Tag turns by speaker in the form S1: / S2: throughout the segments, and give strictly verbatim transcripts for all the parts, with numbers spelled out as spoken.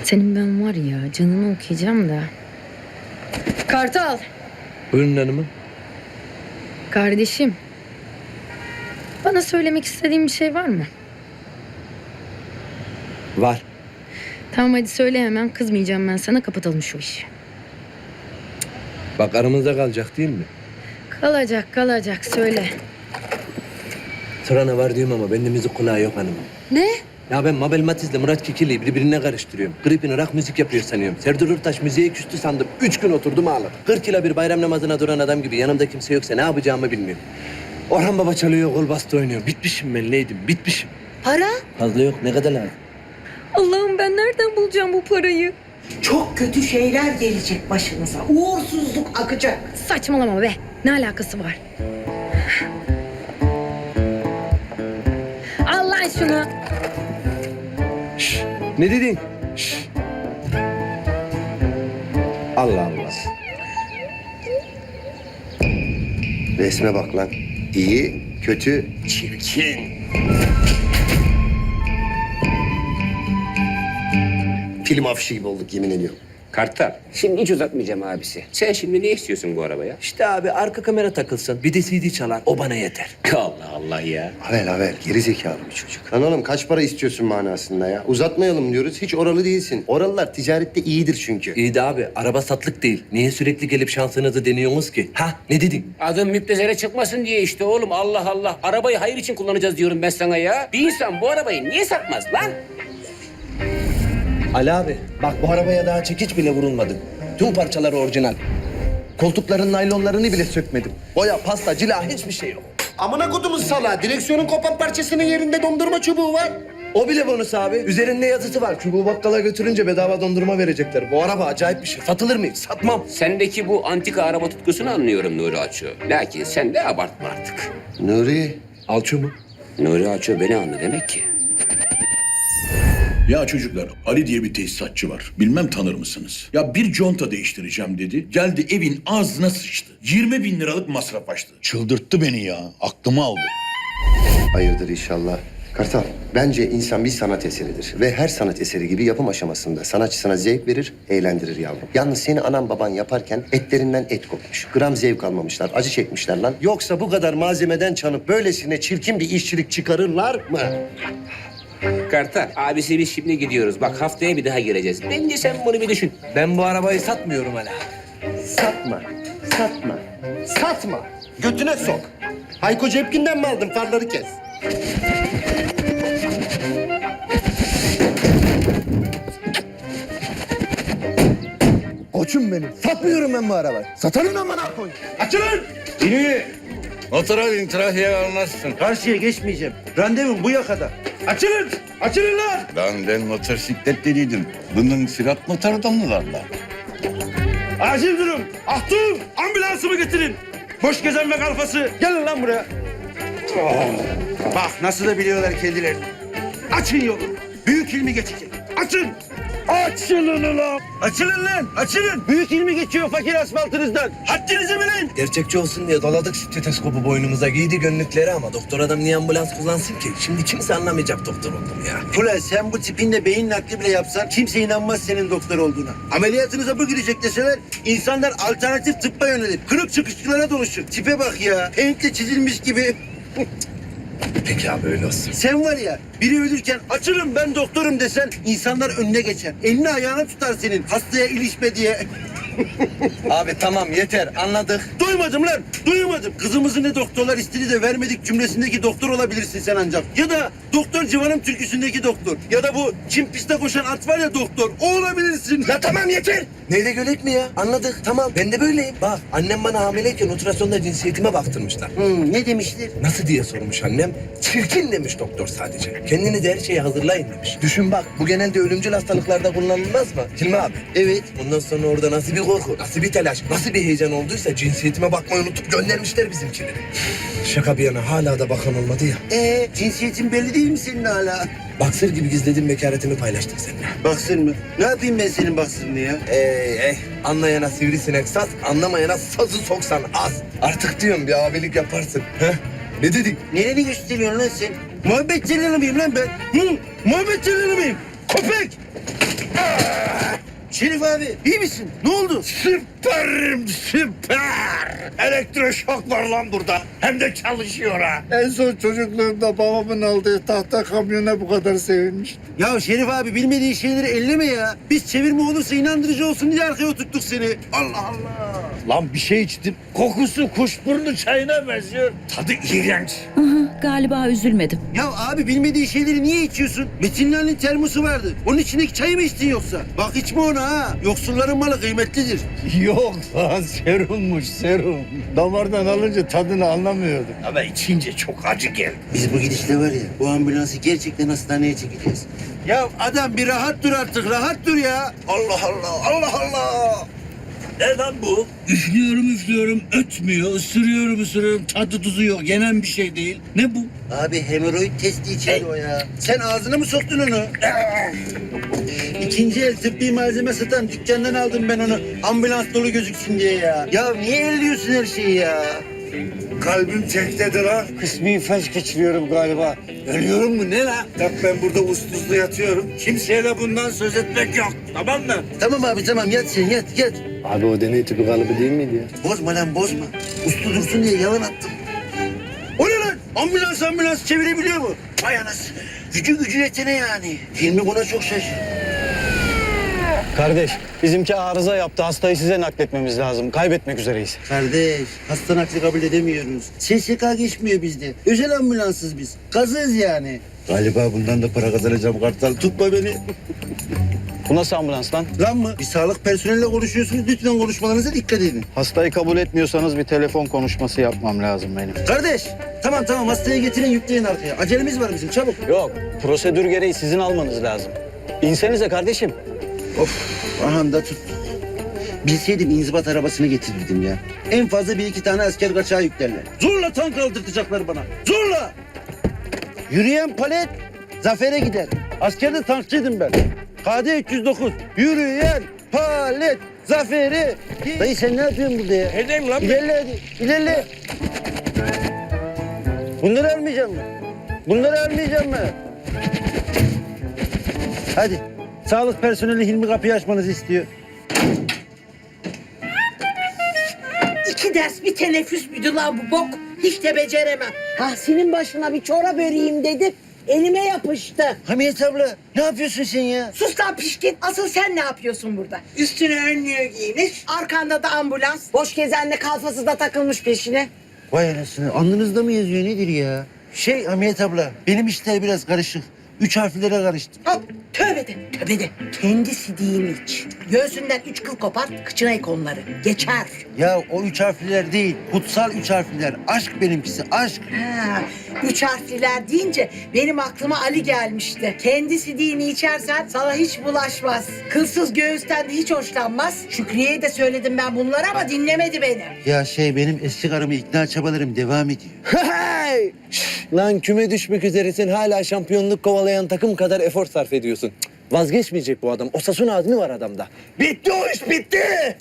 S1: Senin ben var ya canını okuyacağım da. Kartal.
S2: Buyurun hanımım.
S1: Kardeşim. Bana söylemek istediğin bir şey var mı?
S2: Var.
S1: Tamam hadi söyle hemen, kızmayacağım ben sana, kapatalım şu işi.
S2: Bak aramızda kalacak değil mi?
S1: Kalacak kalacak söyle.
S2: Sırana var diyorum ama bende müzik kulağı yok hanımım.
S1: Ne?
S2: Ya ben Mabel Matiz'le Murat Kekilli'yi birbirine karıştırıyorum. Gripini rock müzik yapıyor sanıyorum. Serdar Ortaç müziğe küstü sandım. Üç gün oturdum ağladım. Kırk yıla bir bayram namazına duran adam gibi yanımda kimse yoksa ne yapacağımı bilmiyorum. Orhan Baba çalıyor, kol bastı oynuyor. Bitmişim ben Leydim, bitmişim.
S1: Para?
S2: Fazla yok, ne kadar lazım?
S1: Allah'ım ben nereden bulacağım bu parayı?
S3: Çok kötü şeyler gelecek başınıza. Uğursuzluk akacak.
S1: Saçmalama be. Ne alakası var? Al lan şunu.
S2: Şşş, ne dedin? Şşş. Allah Allah.
S4: Resme bak lan. İyi, kötü, çirkin. Film afişi gibi olduk yemin ediyorum.
S5: Kartal, şimdi hiç uzatmayacağım abisi. Sen şimdi ne istiyorsun bu arabaya?
S2: İşte abi arka kamera takılsın. Bir de C D çalar. O bana yeter.
S5: Allah Allah ya.
S4: Havel havel, geri zekalı bir çocuk. Lan oğlum kaç para istiyorsun manasında ya? Uzatmayalım diyoruz, hiç oralı değilsin. Oralılar ticarette iyidir çünkü.
S2: İyi de abi araba satlık değil. Niye sürekli gelip şansınızı deniyorsunuz ki? Ha ne dedin?
S5: Adım müptezere çıkmasın diye işte oğlum. Allah Allah. Arabayı hayır için kullanacağız diyorum ben sana ya. Bir insan bu arabayı niye satmaz lan?
S2: Ali abi bak bu arabaya daha çekiç bile vurulmadı. Tüm parçaları orijinal. Koltukların naylonlarını bile sökmedim. Boya, pasta, cila hiçbir şey yok.
S4: Amına kodumuz sala, direksiyonun kopan parçasının yerinde dondurma çubuğu var.
S2: O bile bonus abi. Üzerinde yazısı var. Çubuğu bakkala götürünce bedava dondurma verecekler. Bu araba acayip bir şey. Satılır mı? Satmam.
S5: Sendeki bu antika araba tutkusunu anlıyorum Nuri Aço. Lakin sen de abartma artık.
S4: Nuri,
S2: Alço mu?
S5: Nuri Aço beni anla demek ki.
S6: Ya çocuklar, Ali diye bir tesisatçı var. Bilmem tanır mısınız? Ya bir conta değiştireceğim dedi. Geldi evin ağzına sıçtı. yirmi bin liralık masraf açtı. Çıldırttı beni ya. Aklımı aldı.
S4: hayırdır inşallah. Kartal, bence insan bir sanat eseridir. Ve her sanat eseri gibi yapım aşamasında sanatçısına zevk verir, eğlendirir yavrum. Yalnız seni anan baban yaparken etlerinden et kopmuş. Gram zevk almamışlar, acı çekmişler lan. Yoksa bu kadar malzemeden çalıp böylesine çirkin bir işçilik çıkarırlar mı?
S5: Kartal, abisi biz şimdi gidiyoruz. Bak haftaya bir daha geleceğiz. Bence sen bunu bir düşün.
S2: Ben bu arabayı satmıyorum hala.
S4: Satma, satma, satma. Götüne sok. Hayko Cepkin'den mi aldın? Farları kes.
S2: Koçum benim. Satmıyorum ben bu arabayı. Satarın amına koy.
S7: Açılın! İniyi! Motora bin, trafiğe almazsın.
S8: Karşıya geçmeyeceğim. Randevum bu yakada.
S7: Açılın! Açılın lan! Lan ben motosiklet dediydim. Bunun sürat motoru mı var lan?
S8: Acil durum. Ahtum! Ambulansımı getirin. Boş gezen ve kalfası. Gelin lan buraya. Oh. Bak nasıl da biliyorlar kendilerini. Açın yolu. Büyük ilmi geçecek. Açın! Açılın ulan! Açılın lan! Açılın! Büyük ilmi geçiyor fakir asfaltınızdan. Haddinizi bilin!
S2: Gerçekçi olsun diye doladık stetoskopu boynumuza, giydi gönlükleri ama doktor adam niye ambulans kullansın ki? Şimdi kimse anlamayacak doktor oldum ya.
S8: Ulan sen bu tipinle beyin nakli bile yapsan kimse inanmaz senin doktor olduğuna. Ameliyatınıza bu girecek deseler insanlar alternatif tıbba yönelir. Kırık çıkışçılara dönüşür. Tipe bak ya. Paint'le çizilmiş gibi.
S2: Peki abi öyle olsun.
S8: Sen var ya biri ölürken açılın ben doktorum desen insanlar önüne geçer. Elini ayağını tutar senin hastaya ilişme diye.
S2: Abi tamam yeter anladık.
S8: Duymadım lan, duymadım. Kızımızı ne doktorlar istedi de vermedik cümlesindeki doktor olabilirsin sen ancak. Ya da Doktor Civan'ın türküsündeki doktor. Ya da bu Çin piste koşan at var ya doktor. O olabilirsin.
S2: Ya tamam yeter. Neyle gölek mi ya? Anladık tamam ben de böyleyim. Bak annem bana hamileyken ultrasonda cinsiyetime baktırmışlar.
S8: Hmm, ne demişler?
S2: Nasıl diye sormuş annem. Çirkin demiş doktor sadece. Kendini de her şeye hazırlayın demiş. Düşün bak bu genelde ölümcül hastalıklarda kullanılmaz mı? Hilmi abi.
S8: Evet.
S2: Ondan sonra orada nasıl bir korku, nasıl bir telaş, nasıl bir heyecan olduysa cinsiyetime bakmayı unutup göndermişler bizimkileri. Şaka bir yana hala da bakan olmadı ya.
S8: Ee, cinsiyetin belli değil mi senin hala?
S2: Baksır gibi gizlediğim bekaretimi paylaştım seninle.
S8: Baksın mı? Ne yapayım ben senin baksırını ya?
S2: Ey ey anlayana sivrisinek saz, anlamayana sazı soksan az. Artık diyorum bir abilik yaparsın. Heh? Ne dedik?
S8: Nereni gösteriyorsun lan sen? Muhabbet celalı mıyım lan ben? Hı? Muhabbet celalı mıyım? Köpek! Şerif abi iyi misin? Ne oldu? Süperim süper. Elektroşok var lan burada. Hem de çalışıyor ha.
S9: En son çocukluğumda babamın aldığı tahta kamyona bu kadar sevinmiştim.
S8: Ya Şerif abi bilmediğin şeyleri elleme ya. Biz çevirme olursa inandırıcı olsun diye arkaya oturttuk seni. Allah Allah.
S9: Lan bir şey içtim. Kokusu kuşburnu çayına benziyor. Tadı iğrenç.
S10: Aha, galiba üzülmedim.
S8: Ya abi bilmediğin şeyleri niye içiyorsun? Metinler'in termosu vardı. Onun içindeki çayı mı içtin yoksa? Bak içme onu ha. Yoksulların malı kıymetlidir.
S9: Yok lan serummuş serum. Damardan alınca tadını anlamıyordum. Ama içince çok acı geldi.
S8: Biz bu gidişle var ya bu ambulansı gerçekten hastaneye çekeceğiz. Ya adam bir rahat dur artık rahat dur ya. Allah Allah Allah Allah.
S9: Ne lan bu? Üflüyorum üflüyorum ötmüyor. Isırıyorum ısırıyorum tadı tuzu yok. Yenen bir şey değil. Ne bu?
S8: Abi hemoroid testi içeri o ya. Sen ağzına mı soktun onu? İkinci el tıbbi malzeme satan dükkandan aldım ben onu. Ambulans dolu gözüksün diye ya. Ya niye elliyorsun her şeyi ya?
S9: Kalbim çektedir ha. Kısmi felç geçiriyorum galiba. Ölüyorum mu ne lan? Bak ben burada uslu uslu yatıyorum. Kimseye de bundan söz etmek yok. Tamam mı?
S8: Tamam abi tamam yat sen yat yat.
S2: Abi o deney tüpü kalıbı değil miydi ya?
S8: Bozma lan bozma. Uslu dursun diye yalan attım. O ne lan? Ambulans ambulans çevirebiliyor mu? Vay anasını. Gücü gücü yetene yani. Hilmi buna çok şaşırdı.
S11: Kardeş, bizimki arıza yaptı. Hastayı size nakletmemiz lazım. Kaybetmek üzereyiz.
S8: Kardeş, hasta nakli kabul edemiyoruz. S S K geçmiyor bizde. Özel ambulansız biz. Kazığız yani.
S9: Galiba bundan da para kazanacağım Kartal. Tutma beni.
S11: Bu nasıl ambulans lan?
S8: Lan mı? Bir sağlık personeliyle konuşuyorsunuz. Lütfen konuşmalarınıza dikkat edin.
S11: Hastayı kabul etmiyorsanız bir telefon konuşması yapmam lazım benim.
S8: Kardeş, tamam tamam hastayı getirin yükleyin arkaya. Acelemiz var bizim çabuk.
S11: Yok, prosedür gereği sizin almanız lazım. İnsenize kardeşim.
S8: Of, aha da tut. Bilseydim inzibat arabasını getirirdim ya. En fazla bir iki tane asker kaçağı yüklerler. Zorla tank aldırtacaklar bana. Zorla! Yürüyen palet zafere gider. Askerde tankçıydım ben. K D üç yüz dokuz. Yürüyen palet zafere. Dayı sen ne yapıyorsun burada ya?
S9: Edeyim lan.
S8: İlerle hadi. İlerle. Bunları almayacağım mı? Bunları almayacağım mı? Hadi. Sağlık personeli Hilmi kapıyı açmanızı istiyor.
S3: İki ders bir teneffüs müydü lan bu bok? Hiç de beceremem. Tahsin'in başına bir çorap öreyim dedim. Elime yapıştı.
S8: Hamiyet abla ne yapıyorsun sen ya?
S3: Sus lan pişkin. Asıl sen ne yapıyorsun burada? Üstüne önlüğü giymiş. Arkanda da ambulans. Boş gezenle kalfası da takılmış peşine.
S8: Vay anasını alnınızda mı yazıyor nedir ya? Şey Hamiyet abla benim işler biraz karışık. Üç harflere karıştım.
S3: Hop tövbe de tövbe de. Kendi sidiğini iç. Göğsünden üç kıl kopart, kıçına ek onları. Geçer.
S8: Ya o üç harfliler değil, kutsal üç harfliler. Aşk benimkisi, aşk.
S3: Ha, üç harfliler deyince benim aklıma Ali gelmişti. Kendi sidiğini içersen sana hiç bulaşmaz. Kılsız göğüsten de hiç hoşlanmaz. Şükriye'ye de söyledim ben bunları ama dinlemedi beni.
S8: Ya şey benim eski karımı ikna çabalarım devam ediyor.
S2: Hey! Şş, lan küme düşmek üzeresin hala şampiyonluk kovalayan takım kadar efor sarf ediyorsun. Cık, vazgeçmeyecek bu adam. Osasuna azmi var adamda.
S8: Bitti o iş bitti.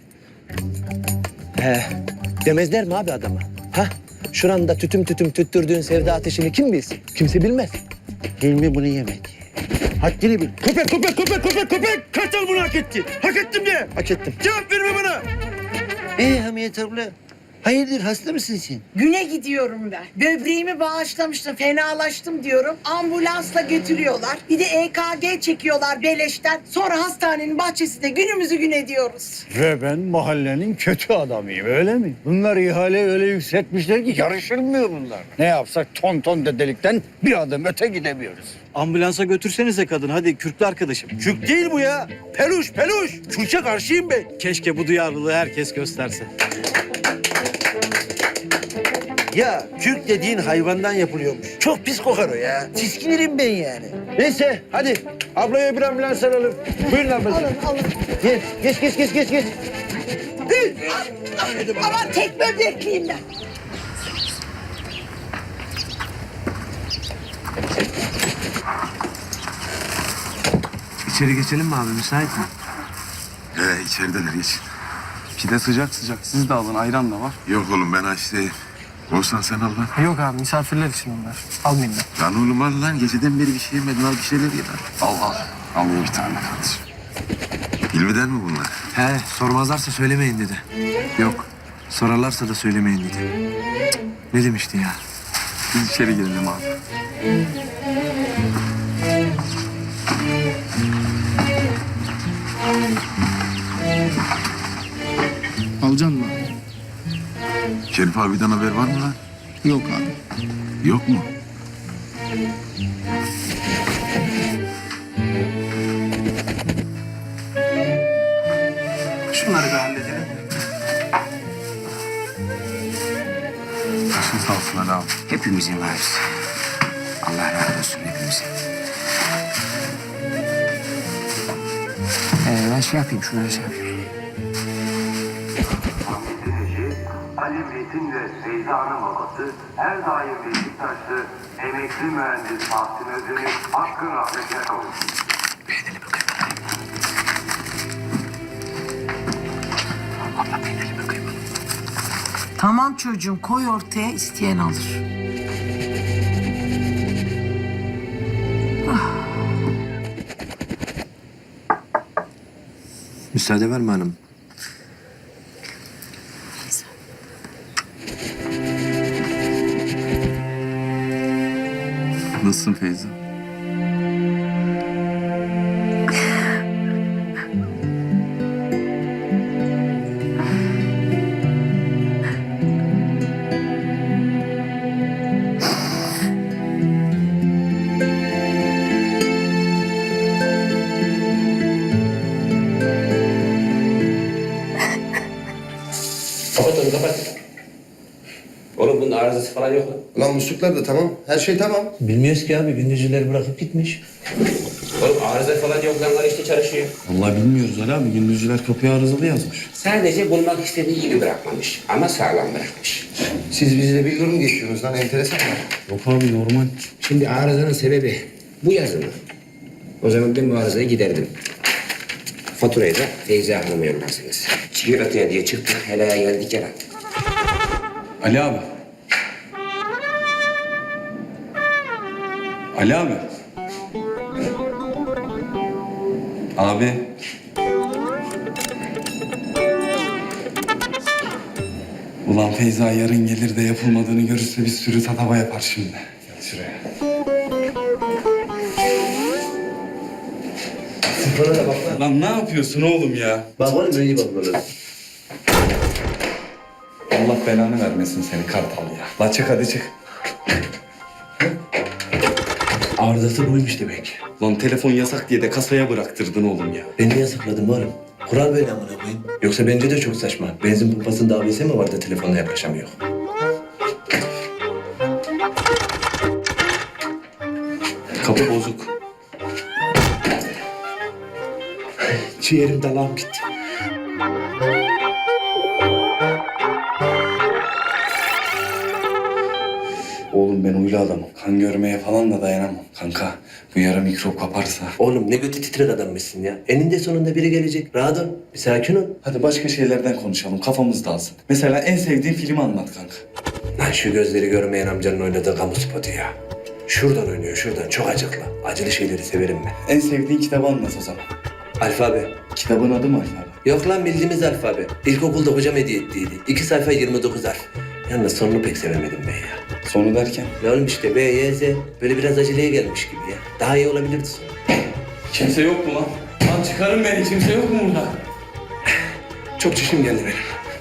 S2: He, demezler mi abi adama? Ha? Şuranda tütüm tütüm tüttürdüğün sevda ateşini kim bilsin? Kimse bilmez.
S8: Hilmi bunu yemedi. Haddini bil.
S9: Köpek köpek köpek köpek köpek. Kartal bunu hak etti. Hak ettim de.
S8: Hak ettim.
S9: Cevap verme bana.
S8: Ee Hamiyet abla, hayırdır hasta mısın sen?
S3: Güne gidiyorum ben. Böbreğimi bağışlamıştım, fenalaştım diyorum. Ambulansla götürüyorlar. Bir de E K G çekiyorlar beleşten. Sonra hastanenin bahçesinde günümüzü gün ediyoruz.
S9: Ve ben mahallenin kötü adamıyım öyle mi? Bunlar ihale öyle yükseltmişler ki yarışılmıyor bunlar. Ne yapsak ton ton dedelikten bir adım öte gidemiyoruz.
S11: Ambulansa götürsenize kadın hadi kürklü arkadaşım.
S8: Kürk değil bu ya. Peluş peluş. Kürke karşıyım ben.
S11: Keşke bu duyarlılığı herkes gösterse.
S8: Ya kürk dediğin hayvandan yapılıyormuş. Çok pis kokar o ya. Tiskinirim ben yani. Neyse hadi ablaya bir ambulans alalım. Buyurun ablacığım.
S3: Alın alın.
S8: Geç geç geç geç geç. geç.
S3: Aman tek böbrekliyim ben.
S2: İçeri geçelim mi abi müsait mi?
S7: He içerideler geçin.
S11: Pide sıcak sıcak. Siz de alın ayran da var.
S7: Yok oğlum ben aç değilim. Olsan sen al lan.
S11: Yok abi misafirler için onlar. Almayayım ben.
S7: Lan oğlum al lan. Geceden beri bir şey yemedin. Al bir şeyler ye lan. Al al. Al ye bir tane kardeşim. Hilmi'den mi bunlar?
S2: He, sormazlarsa söylemeyin dedi. Yok, sorarlarsa da söylemeyin dedi. Cık, ne demişti ya?
S7: Biz içeri girelim abi.
S8: Alacaksın mı?
S7: Şerif abiden haber var mı lan?
S8: Yok abi.
S7: Yok mu?
S2: Şunları bir halledelim.
S7: Başın sağ olsun Ali abi.
S5: Hepimizin varız. Allah razı olsun hepimize. Ee, ben şey yapayım, şunları şey yapayım.
S12: Ali Metin ve Feyza'nın babası her daim Beşiktaşlı emekli mühendis Tahsin Özdemir hakkın rahmetine kavuştu.
S3: Tamam çocuğum, koy ortaya, isteyen alır.
S2: Müsaade var mı hanım?
S7: Nasılsın Feyza?
S5: Kapat onu kapat. Oğlum bunun arızası falan yok lan.
S4: Lan musluklar da tamam. Her şey tamam.
S2: Bilmiyoruz ki abi, gündüzcüleri bırakıp gitmiş.
S5: Oğlum arıza falan yok lan, işte çalışıyor.
S8: Vallahi bilmiyoruz Ali abi. Gündüzcüler kapıya arızalı yazmış.
S5: Sadece bulmak istediği gibi bırakmamış ama sağlam bırakmış.
S4: Siz bizle bir yorum geçiyorsunuz lan. Enteresan mı?
S8: Yok abi normal.
S5: Şimdi arızanın sebebi bu yazı mı? O zaman ben bu arızayı giderdim. Faturayı da Feyza Hanım'a yollarsınız. Çiğrataya diye çıktık, helaya geldik ya.
S8: Ali abi. Ali abi. Abi. Ulan Feyza yarın gelir de yapılmadığını görürse bir sürü tatava yapar şimdi. Gel şuraya.
S2: Sıfıra da bak lan.
S8: Lan ne yapıyorsun oğlum ya?
S2: Bak oğlum, öyle bak böyle.
S8: Allah belanı vermesin seni kartal ya. La çık hadi çık.
S2: Arızası buymuş demek.
S8: Lan telefon yasak diye de kasaya bıraktırdın oğlum ya.
S2: Ben niye yasakladım oğlum? Kural böyle amına koyayım. Yoksa bence de çok saçma. Benzin pompasında A B S mi var da telefonla yaklaşamıyor?
S8: Kapı bozuk.
S2: Ciğerim dalağım gitti.
S8: Oğlum ben huylu adamım. Kan görmeye falan da dayanamam. Kanka bu yara mikrop kaparsa.
S2: Oğlum ne götü titrek adammışsın ya. Eninde sonunda biri gelecek. Rahat ol. Bir sakin ol.
S8: Hadi başka şeylerden konuşalım. Kafamız dağılsın. Mesela en sevdiğin filmi anlat kanka.
S2: Lan şu gözleri görmeyen amcanın oynadığı kamu spotu ya. Şuradan oynuyor, şuradan. Çok acıklı. Acılı şeyleri severim ben.
S8: En sevdiğin kitabı anlat o zaman.
S2: Alfabe.
S8: Kitabın adı mı alfabe?
S2: Yok lan, bildiğimiz alfabe. İlkokulda hocam hediye ettiydi. İki sayfa yirmi dokuz harf. Yalnız sonunu pek sevemedim ben ya.
S8: Sonu derken?
S2: Ne oğlum işte B, Y, Z. Böyle biraz aceleye gelmiş gibi ya. Daha iyi olabilirdi sonu.
S8: Kimse yok mu lan? Lan çıkarın beni. Kimse yok mu burada?
S2: Çok çişim geldi benim.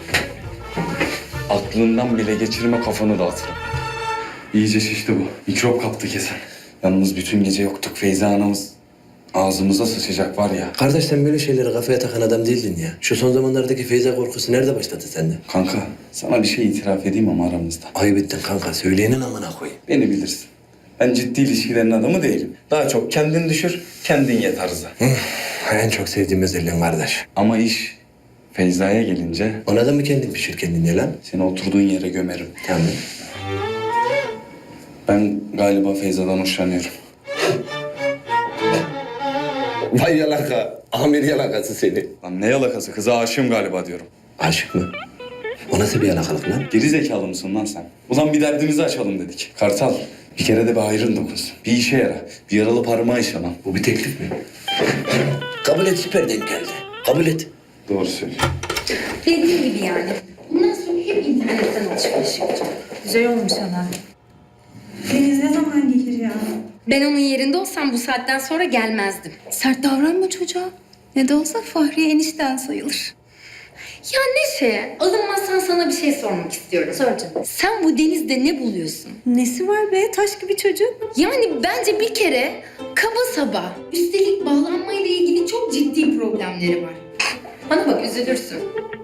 S8: Aklından bile geçirme, kafanı dağıtırım. İyice şişti bu. Mikrop kaptı kesin. Yalnız bütün gece yoktuk. Feyza anamız ağzımıza sıçacak var ya.
S2: Kardeş, sen böyle şeyleri kafaya takan adam değildin ya. Şu son zamanlardaki Feyza korkusu nerede başladı sende?
S8: Kanka sana bir şey itiraf edeyim ama aramızda.
S2: Ayıp ettin kanka. Söyleyenin amına koyayım.
S8: Beni bilirsin. Ben ciddi ilişkilerin adamı değilim. Daha çok kendin düşür, kendin ye tarzı.
S2: En çok sevdiğim özelliğin kardeş.
S8: Ama iş Feyza'ya gelince
S2: Ona da mı kendin pişir kendin ye lan?
S8: seni oturduğun yere gömerim.
S2: Tamam.
S8: Ben galiba Feyza'dan hoşlanıyorum.
S2: Vay yalaka. Amir yalakası seni.
S8: Lan ne yalakası? Kıza aşığım galiba diyorum.
S2: Aşık mı? O nasıl bir yalakalık lan?
S8: Geri zekalı mısın lan sen? Ulan bir derdimizi açalım dedik. Kartal, bir kere de bir hayrın dokunsun. Bir işe yara. Bir yaralı parmağı işe lan.
S2: Bu bir teklif mi? Kabul et, süper denk geldi. Kabul et.
S4: Doğru söylüyor.
S1: Dediğim gibi yani. Bundan sonra hep internetten alışveriş yapacağım.
S10: Güzel olmuş ana.
S13: Deniz ne zaman gelir ya?
S1: Ben onun yerinde olsam bu saatten sonra gelmezdim.
S13: Sert davranma çocuğa. Ne de olsa Fahriye enişten sayılır.
S1: Ya Neşe, alınmazsan sana bir şey sormak istiyorum.
S13: Sor canım.
S1: Sen bu denizde ne buluyorsun?
S13: Nesi var be? Taş gibi çocuk.
S1: Yani bence bir kere kaba saba. Üstelik bağlanmayla ilgili çok ciddi problemleri var. Bana bak üzülürsün.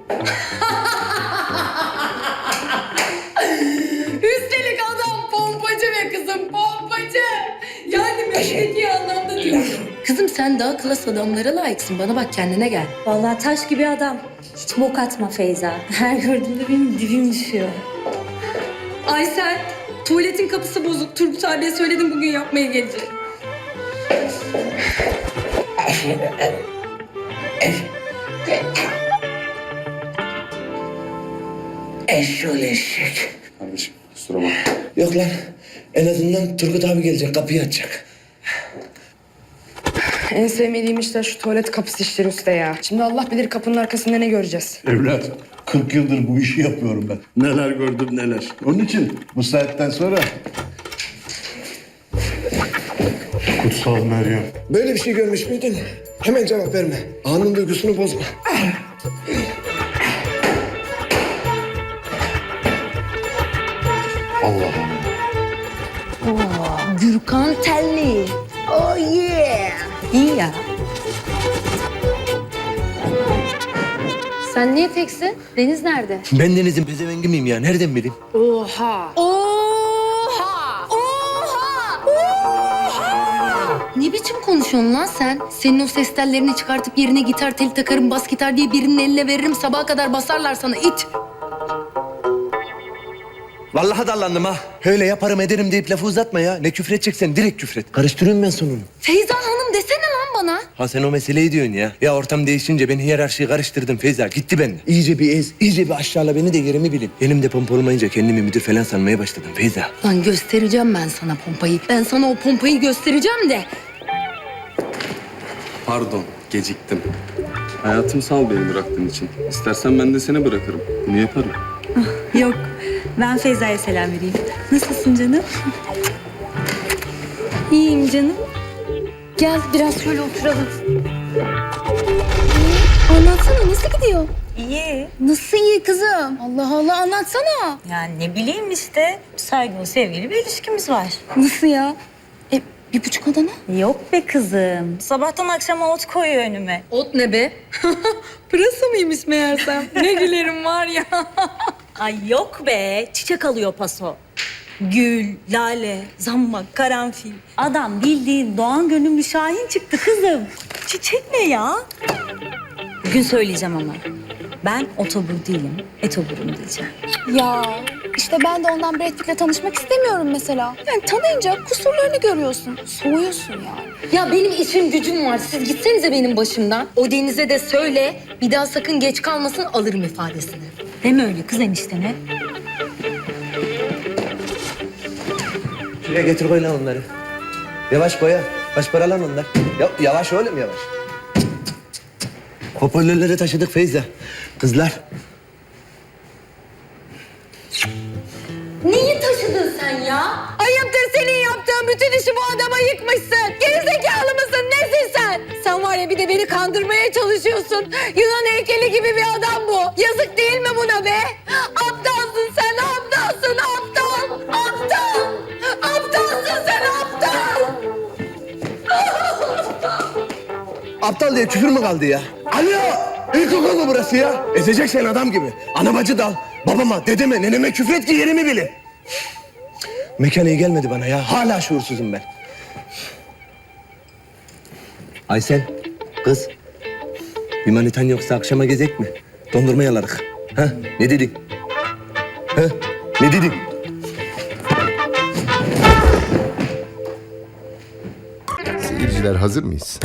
S1: Üstelik adam pompacı ve kızım pompacı. Yani mesleki anlamda diyorum. Kızım sen daha klas adamlara layıksın. Bana bak kendine gel.
S10: Vallahi taş gibi adam. Hiç bok atma Feyza. Her gördüğümde benim dibim düşüyor.
S1: Aysel, tuvaletin kapısı bozuk. Turgut abiye söyledim bugün yapmaya gelecek.
S2: Eşşoğlu eşek.
S4: Kardeşim kusura bakma.
S2: Yok lan. En azından Turgut abi gelecek. Kapıyı açacak.
S14: En sevmediğim işler şu tuvalet kapısı işleri usta ya. Şimdi Allah bilir kapının arkasında ne göreceğiz.
S6: Evlat, kırk yıldır bu işi yapıyorum ben. Neler gördüm neler. Onun için bu saatten sonra...
S9: Kutsal Meryem.
S2: Böyle bir şey görmüş müydün? Hemen cevap verme. Anın duygusunu bozma.
S9: Allah Allah.
S10: Gürkan Telli. Oh yeah. İyi ya.
S1: Sen niye teksin? Deniz nerede?
S2: Ben Deniz'in pezevengi miyim ya? Nereden bileyim?
S14: Oha!
S1: Oha! Oha! Oha! Ne biçim konuşuyorsun lan sen? Senin o ses tellerini çıkartıp yerine gitar teli takarım, bas gitar diye birinin eline veririm. Sabaha kadar basarlar sana it.
S2: Vallahi dallandım ha. Öyle yaparım ederim deyip lafı uzatma ya. Ne küfredeceksen direkt küfret. Karıştırıyorum ben sonunu.
S1: Feyza Hanım desene lan bana.
S2: Ha sen o meseleyi diyorsun ya. Ya ortam değişince ben hiyerarşiyi karıştırdım Feyza. Gitti benden. İyice bir ez, iyice bir aşağıla beni de yerimi bilin. Elimde pompa olmayınca kendimi müdür falan sanmaya başladım Feyza.
S1: Lan göstereceğim ben sana pompayı. Ben sana o pompayı göstereceğim de.
S15: Pardon, geciktim. Hayatım sağ ol beni bıraktığın için. İstersen ben de seni bırakırım. Bunu yaparım.
S10: Yok. Ben Feyza'ya selam vereyim. Nasılsın canım? İyiyim canım.
S1: Gel biraz şöyle oturalım. Anlatsana nasıl gidiyor?
S10: İyi.
S1: Nasıl iyi kızım? Allah Allah anlatsana.
S10: Yani ne bileyim işte. Saygılı, sevgili bir ilişkimiz var.
S1: Nasıl ya? E, bir buçuk odana?
S10: Yok be kızım. Sabahtan akşama ot koyuyor önüme.
S1: Ot ne be? Pırasa mıymış meğersem? Ne gülerim var ya.
S10: Ay yok be. Çiçek alıyor paso. Gül, lale, zambak, karanfil. Adam bildiğin doğan gönüllü şahin çıktı kızım. Çiçek ne ya? Bugün söyleyeceğim ama. Ben otobur değilim, etoburum diyeceğim.
S13: Ya işte ben de ondan Brad Pitt'le tanışmak istemiyorum mesela. Yani tanıyınca kusurlarını görüyorsun. Soğuyorsun yani.
S1: Ya benim işim gücüm var. Siz gitsenize benim başımdan. O Deniz'e de söyle. Bir daha sakın geç kalmasın alırım ifadesini.
S10: Deme öyle kız enişteme.
S2: Şuraya getir koy lan onları. Yavaş koy ya. Kaç para lan onlar? Ya, yavaş oğlum yavaş. Hoparlörleri taşıdık Feyza. Kızlar.
S1: Neyi taşıdın sen ya? Ayıptır senin yaptığın bütün işi bu adama yıkmışsın. Gerizekalı mısın? Nesin sen? Sen var ya bir de beni kandırmaya çalışıyorsun. Yunan heykeli gibi bir adam bu. Yazık değil mi buna be? Aptalsın sen aptalsın aptal. Aptal. Aptalsın sen aptal.
S2: Aptal diye küfür mü kaldı ya? Alo! İlkokul mu burası ya? Ezeceksen adam gibi. Ana bacı dal. Babama, dedeme, neneme küfret ki yerimi bilin. Mekan iyi gelmedi bana ya. Hala şuursuzum ben. Aysel, kız. Bir manitan yoksa akşama gezek mi? Dondurma yalarık. Ha? Ne dedin? Ha? Ne dedin?
S4: Seyirciler hazır mıyız?